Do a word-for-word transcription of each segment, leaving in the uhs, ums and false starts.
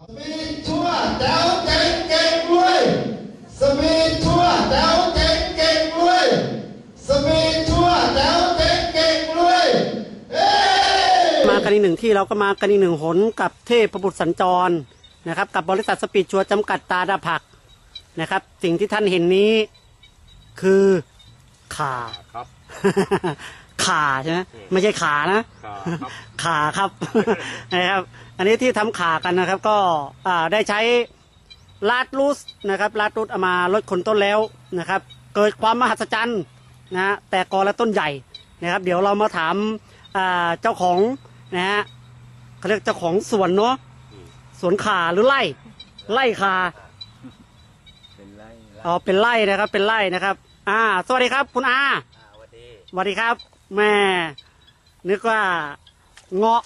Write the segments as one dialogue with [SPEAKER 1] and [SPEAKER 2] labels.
[SPEAKER 1] สมีทั่วแถวเก่งเก่งรวยสมีทั่วแถวเก่งเก่งรวยสมีทั่วแถวเก่งเก่งรวยมากันอีกหนึ่งที่เราก็มากันอีกหนึ่งหนกับเทพบุตรสัญจรนะครับกับบริษัทสปีดชัวร์จำกัดตาดาผักนะครับสิ่งที่ท่านเห็นนี้คือขา
[SPEAKER 2] ครับ
[SPEAKER 1] ขาใช่ไหมไม่ใช่ขานะขาครับนะครับอันนี้ที่ทำขากันนะครับก็ได้ใช้ลาดรูสนะครับลาดรูสเอามาลดคนต้นแล้วนะครับเกิดความมหัศจรรย์นะแต่กอและต้นใหญ่นะครับเดี๋ยวเรามาถามเจ้าของนะฮะเขาเรียกเจ้าของสวนเนาะสวนขาหรือไร่ไร่ขา
[SPEAKER 2] เป็นไร่
[SPEAKER 1] อ๋อเป็นไร่นะครับเป็นไร่นะครับอ่าสวัสดีครับคุณอา
[SPEAKER 2] สวัสดี
[SPEAKER 1] สวัสดีครับแม่นึกว่าเงาะ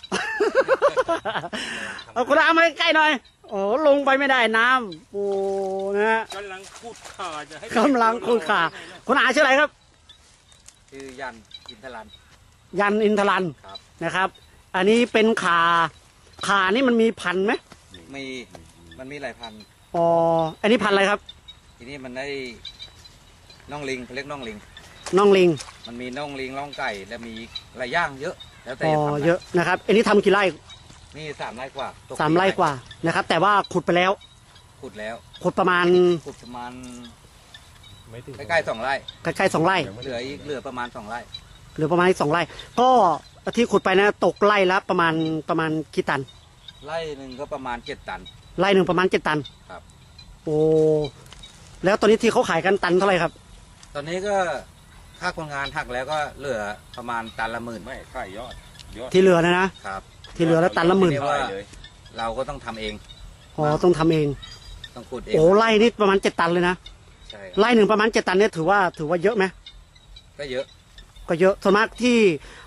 [SPEAKER 1] เอาคุณอามาใกล้หน่อยโอ้ลงไปไม่ได้น้ำโอ้นะ
[SPEAKER 2] กำลังขุดขาจะให้
[SPEAKER 1] กำลังขุดขาคุณอาชื่ออะไรครับ
[SPEAKER 2] ชื่อยันอินทรัน
[SPEAKER 1] ยันอินทรันนะครับอันนี้เป็นขาขานี่มันมีพันไหม
[SPEAKER 2] มีมันมีหลายพัน
[SPEAKER 1] อ๋ออันนี้พันอะไรครับ
[SPEAKER 2] ทีนี้มันได้น่องลิงเขาเรียกน่องลิง
[SPEAKER 1] น่องลิง
[SPEAKER 2] มันมีน่องลิงน่องไก่และมีหลายย่างเยอะแล้วแต่
[SPEAKER 1] อ๋อเยอะนะครับอันนี้ทำกี่ไร่
[SPEAKER 2] นี่สามไร่กว่า
[SPEAKER 1] สามไร่กว่านะครับแต่ว่าขุดไปแล้ว
[SPEAKER 2] ขุดแล้ว
[SPEAKER 1] ขุดประมาณ
[SPEAKER 2] ขุดประมาณใกล้ๆสองไร่
[SPEAKER 1] ใกล้ๆสองไร่
[SPEAKER 2] เหลืออีกเหลือประมาณสองไร่
[SPEAKER 1] เหลือประมาณสองไร่ก็ที่ขุดไปนะตกไร่ละประมาณประมาณกี่ตัน
[SPEAKER 2] ไร่หนึ่งก็ประมาณเจ็ดตัน
[SPEAKER 1] ไร่หนึ่งประมาณเจ็ดตัน
[SPEAKER 2] ครับ
[SPEAKER 1] โอ้แล้วตอนนี้ที่เขาขายกันตันเท่าไหร่ครับ
[SPEAKER 2] ตอนนี้ก็ค่าคนงานหักแล้วก็เหลือประมาณตันละหมื่น
[SPEAKER 3] ไม่ค่ายยอด
[SPEAKER 1] ที่เหลือนะนะครับที่เหลือแล้วตันละหมื่น
[SPEAKER 2] เราก็ต้องทำเอง
[SPEAKER 1] อ๋อต้องทำเอง
[SPEAKER 2] ต้องขุดเอง
[SPEAKER 1] โอ้ไร่นี่ประมาณเจ็ดตันเลยนะ
[SPEAKER 2] ใช่
[SPEAKER 1] ไร่หนึ่งประมาณเจ็ดตันเนี่ยถือว่าถือว่าเยอะไหม
[SPEAKER 2] ก็เยอะ
[SPEAKER 1] ก็เยอะส่วนมากที่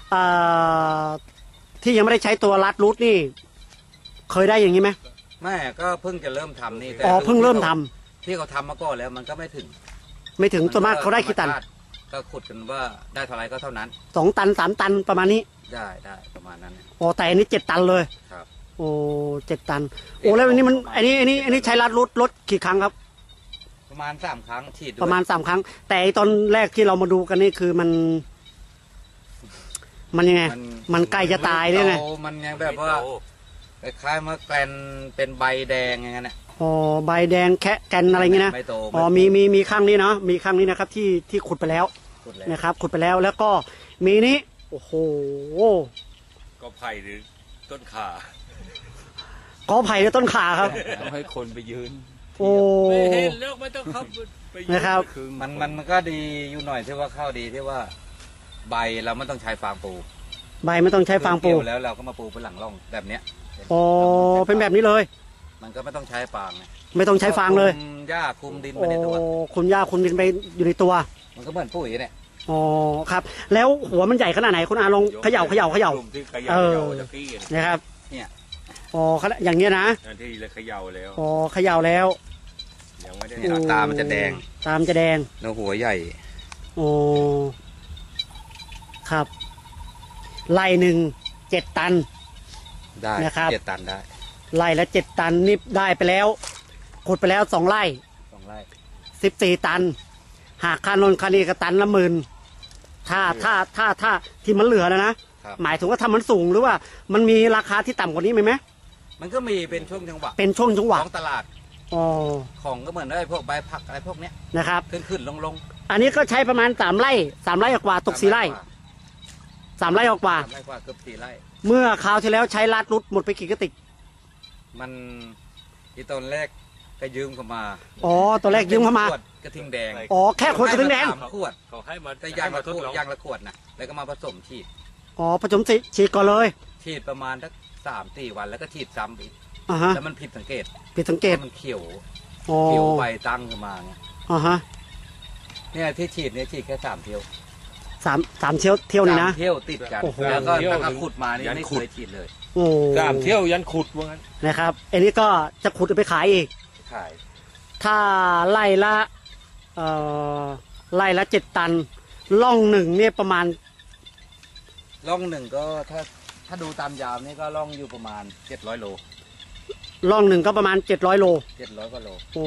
[SPEAKER 1] ที่ยังไม่ได้ใช้ตัวลัดรูทนี่เคยได้อย่างนี้ไหม
[SPEAKER 2] ไม่ก็เพิ่งจะเริ่มทำนี่
[SPEAKER 1] อ๋อเพิ่งเริ่มทำ
[SPEAKER 2] ที่เขาทำมาก่อนแล้วมันก็ไม่ถึง
[SPEAKER 1] ไม่ถึงส่วนมากเขาได้กี่ตัน
[SPEAKER 2] ก็ขุดกันว่าได้เท่าไรก็เท่านั้น
[SPEAKER 1] สองตันสามตันประมาณนี้
[SPEAKER 2] ได้ได้ประมาณนั้น
[SPEAKER 1] โอ้แต่อันนี้เจ็ดตันเลย
[SPEAKER 2] ครับ
[SPEAKER 1] โอ้เจ็ดตันโอ้แล้วอันนี้มันอันนี้อันนี้อันนี้ใช้ลัดรูทรถกี่ครั้งครับ
[SPEAKER 2] ประมาณสามครั้งฉีด
[SPEAKER 1] ประมาณสามครั้งแต่ตอนแรกที่เรามาดูกันนี่คือมันมันยังไงมันใกล้จะตายด้วยไง
[SPEAKER 2] มันยังแบบว่าคล้ายๆมาแกลนเป็นใบแดงอย่างเงี้ย
[SPEAKER 1] อ๋อใบแดงแคะแกนอะไรเงี้ยนะอ๋อมีมีมีข้างนี้เนาะมีข้างนี้นะครับที่ที่ขุดไปแล้วนะครับขุดไปแล้วแล้วก็มีนี้โอ้โห
[SPEAKER 3] ก็ไผ่หรือต้นขา
[SPEAKER 1] ก็ไผ่หรือต้นขาครับ
[SPEAKER 3] ให้คนไปยืน
[SPEAKER 1] โอ้
[SPEAKER 3] ไม่เห็นแล้วไม่ต้องเข้าไป
[SPEAKER 1] นะครับ
[SPEAKER 2] มันมันมันก็ดีอยู่หน่อยที่ว่าข้าวดีที่ว่าใบเราไม่ต้องใช้ฟางปู
[SPEAKER 1] ใบไม่ต้องใช้ฟางปู
[SPEAKER 2] แล้วเราก็มาปูเป็นหลังร่องแบบเนี้ย
[SPEAKER 1] อ๋อเป็นแบบนี้เลย
[SPEAKER 2] มันก็ไม่ต้องใช้ฟาง
[SPEAKER 1] ไม่ต้องใช้ฟางเลย
[SPEAKER 2] คุมหญ้าคุมดินไปในตัว
[SPEAKER 1] คุมหญ้าคุมดินไปอยู่ในตัว
[SPEAKER 2] มันก็เหมือนปุ๋ยเนี่ย
[SPEAKER 1] อ๋อครับแล้วหัวมันใหญ่ขนาดไหนคุณอาลองเขย่าเขย่าเขย่าเออนะครับ
[SPEAKER 2] เนี่ย
[SPEAKER 1] อ๋ออย่างเงี้ยนะ
[SPEAKER 3] ที่เลยเขย่าแล้ว
[SPEAKER 1] อ๋อเขย่าแล้ว
[SPEAKER 2] ยังไม่ได้ตามันจะแดง
[SPEAKER 1] ตามจะแดง
[SPEAKER 2] แล้วหัวใหญ่
[SPEAKER 1] โอ้ครับไร่หนึ่งเจ็ดตัน
[SPEAKER 2] ได้นะครับเจ็ดตันได้
[SPEAKER 1] ไร่ละเจ็ดตันนี่ได้ไปแล้วขุดไปแล้วสองไร่
[SPEAKER 2] สองไร่
[SPEAKER 1] สิบสี่ตันหากค่านนค่านี้ก็ตันละหมื่นถ้าถ้าถ้าถ้าที่มันเหลือนะนะหมายถึงว่าถ้ามันสูงหรือว่ามันมีราคาที่ต่ำกว่านี้ไหมไหม
[SPEAKER 2] มันก็มีเป็นช่วงจังหวะ
[SPEAKER 1] เป็นช่วงจังหวะ
[SPEAKER 2] ของตลาด
[SPEAKER 1] อ๋อ
[SPEAKER 2] ของก็เหมือนไอ้พวกใบผักอะไรพวกเนี้ย
[SPEAKER 1] นะครับ
[SPEAKER 2] ขึ้นขึ้นลงลง
[SPEAKER 1] อันนี้ก็ใช้ประมาณสามไร่สามไร่กว่าตกสี่ไร่สามไร่กว่า
[SPEAKER 2] สามไร่กว่าเกือบสี่ไร่
[SPEAKER 1] เมื่อคราวที่แล้วใช้ลาดรุดหมดไปกี่กระติก
[SPEAKER 2] มันที่ตอนแรกก็ยืมเข้ามา
[SPEAKER 1] อ๋อตอนแรกยืมเข้าม
[SPEAKER 2] ากระทิงแดง
[SPEAKER 1] อ๋อแค่ขวดกระทิงแดง
[SPEAKER 2] ขวดเขาให้มาแต่ยางละขวดยางละขวดนะแล้วก็มาผสมฉีด
[SPEAKER 1] อ๋อผสมฉีดก่อนเลย
[SPEAKER 2] ฉีดประมาณสักสามสี่วันแล้วก็ฉีดซ้ำอีกแล้วมันผิดสังเกต
[SPEAKER 1] ผิดสังเกต
[SPEAKER 2] มันเขียวเขียวใบตั้งขึ้นมาเนี่ย
[SPEAKER 1] อ๋อฮะ
[SPEAKER 2] เนี่ยที่ฉีดเนี่ยฉีดแค่สามเที่ยว
[SPEAKER 1] สามสามเที่ยวเที่ยวนี่นะ
[SPEAKER 2] เที่ยวติดกันแล้วก็ตั้งแต่ขุดมานี่ไม่เคยฉีดเลย
[SPEAKER 1] โอ้
[SPEAKER 3] สามเที่ยวยันขุดว่างั้น
[SPEAKER 1] นะครับอันนี้ก็จะขุดไปขายอีก
[SPEAKER 2] ขาย
[SPEAKER 1] ถ้าไล่ละเอ่อไล่ละเจ็ดตันล่องหนึ่งเนี่ยประมาณ
[SPEAKER 2] ล่องหนึ่งก็ถ้าถ้าดูตามยาวนี่ก็ล่องอยู่ประมาณเจ็ดร้อยโล
[SPEAKER 1] ร่องหนึ่งก็ประมาณเจ็ดร้อยโล
[SPEAKER 2] เจ็ดร้อยกว่าโล
[SPEAKER 1] โอ้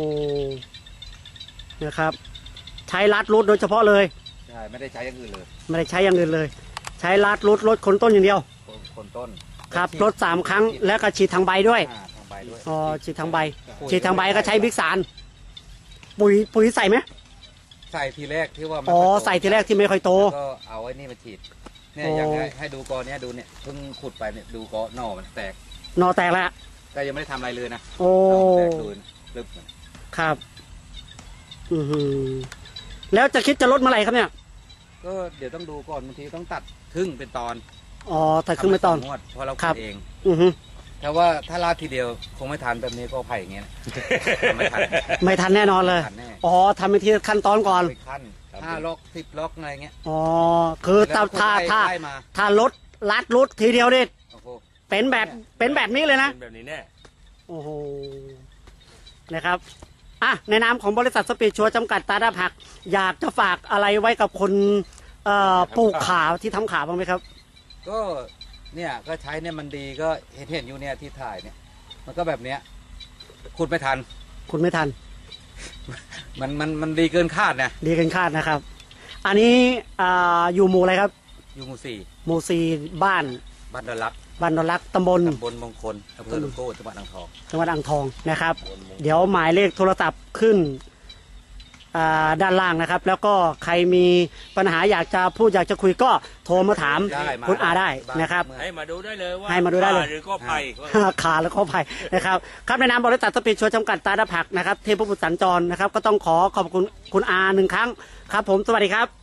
[SPEAKER 1] นะครับใช้ลัดรูทโดยเฉพาะเลย
[SPEAKER 2] ใช่ไม่ได้ใช้อย่างอื่นเลย
[SPEAKER 1] ไม่ได้ใช้อย่างอื่นเลย ใช้ลัดรูทลดคนต้นอย่างเดียว
[SPEAKER 2] คนคนต้น
[SPEAKER 1] ครับลดสามครั้งแล้วก็ฉีดทางใบด้วย
[SPEAKER 2] อ่าทางใบด้วย
[SPEAKER 1] อ๋อฉีดทางใบฉีดทางใบก็ใช้บิ๊กซานปุ๋ยปุ๋ยใส่ไหม
[SPEAKER 2] ใส่ทีแรกที่ว่ามัน
[SPEAKER 1] อ๋อ
[SPEAKER 2] ค่ยโต
[SPEAKER 1] ใส่ทีแรกที่ไม่ค่อยโต
[SPEAKER 2] แล้วก็เอาไอ้นี่มาฉีดเนี่ย
[SPEAKER 1] โอ้
[SPEAKER 2] อย่างให้ให้ดูกอเนี้ยดูเนี่ยเพิ่งขุดไปเนี่ยดูกอหน่อมันแตก
[SPEAKER 1] หนอแตกแล้ว
[SPEAKER 2] แต่ยังไม่ได้ทำอะไรเลยนะ
[SPEAKER 1] โอ้
[SPEAKER 2] หน่อมันแตกดูนะลึกมัน
[SPEAKER 1] ครับอือหือแล้วจะคิดจะลดเมื่อไหร่ครับเนี่ย
[SPEAKER 2] ก็เดี๋ยวต้องดูก่อนบางทีต้องตัดครึ่งเป็นตอน
[SPEAKER 1] อ๋อแต่ขึ้นไปตอน
[SPEAKER 2] ทำสงงวดเพราะเรา
[SPEAKER 1] ครั
[SPEAKER 2] ขุ
[SPEAKER 1] บ
[SPEAKER 2] ดเอง
[SPEAKER 1] อือหือ
[SPEAKER 2] ถ้าว่าถ้าลาดทีเดียวคงไม่ทันแบบนี้ก็ไผ่อย่างเงี้ยนะไม่ทัน
[SPEAKER 1] ไม่ทันแน่นอนเลย
[SPEAKER 2] ทันแน่
[SPEAKER 1] อ๋อทำเป็นทีละขั้นตอนก่อน
[SPEAKER 2] ไปขั้นห้าล็อกสิบล็อกอะไรเงี้ย
[SPEAKER 1] อ๋อคือถ้าถ้าถ้า
[SPEAKER 2] ไล่มา
[SPEAKER 1] ถ้าลดลัดรุดทีเดียวนี่
[SPEAKER 2] โอ้โห
[SPEAKER 1] เป็นแบบเป็นแบบนี้เลยนะ
[SPEAKER 3] เป็นแบบนี้แน่
[SPEAKER 1] โอ้โหนะครับอ่ะในนามของบริษัทสปีดชัวร์จำกัดตาดาผัก อยากจะฝากอะไรไว้กับคนเอ่อปลูกขาที่ทำขาบ้างไหมครับ
[SPEAKER 2] ก็เนี่ยก็ใช้เนี่ยมันดีก็เห็นเห็นอยู่เนี่ยที่ถ่ายเนี่ย มันก็แบบเนี้ยขุดไม่ทัน
[SPEAKER 1] คุณไม่ทัน
[SPEAKER 2] มันมันมันดีเกินคาดนะ
[SPEAKER 1] ดีเกันคาดนะครับ อันนี้อ่าอยู่หมู่อะไรครับ
[SPEAKER 2] อยู่หมู่สี่
[SPEAKER 1] หมู่สี่บ้าน
[SPEAKER 2] บ้านดอนรัก
[SPEAKER 1] บ้านดอนรักตำบล
[SPEAKER 2] ตำบลมงคลอำเภอหลวงโก้จังหวัดอ่างทอง
[SPEAKER 1] จังหวัดอ่างทองนะครับ เดี๋ยวหมายเลขโทรศัพท์ขึ้นอ่าด้านล่างนะครับ แล้วก็ใครมีปัญหาอยากจะพูดอยากจะคุยก็โทรมาถาม
[SPEAKER 2] ได้มา
[SPEAKER 1] คุณอาได้นะครับ
[SPEAKER 3] ให้มาดูได้เลยว่า
[SPEAKER 1] ให้มาดูได้เลย
[SPEAKER 3] ขหรือก็ไผ่
[SPEAKER 1] ขาแล้วก็ภัยนะครับครับในนามบริษัทสปีดชัวร์จำกัดตาดาผักนะครับเทพบุตรสัญจรนะครับ ก็ต้องขอขอบคุณคุณอาหนึ่งครั้งครับ ผมสวัสดีครับ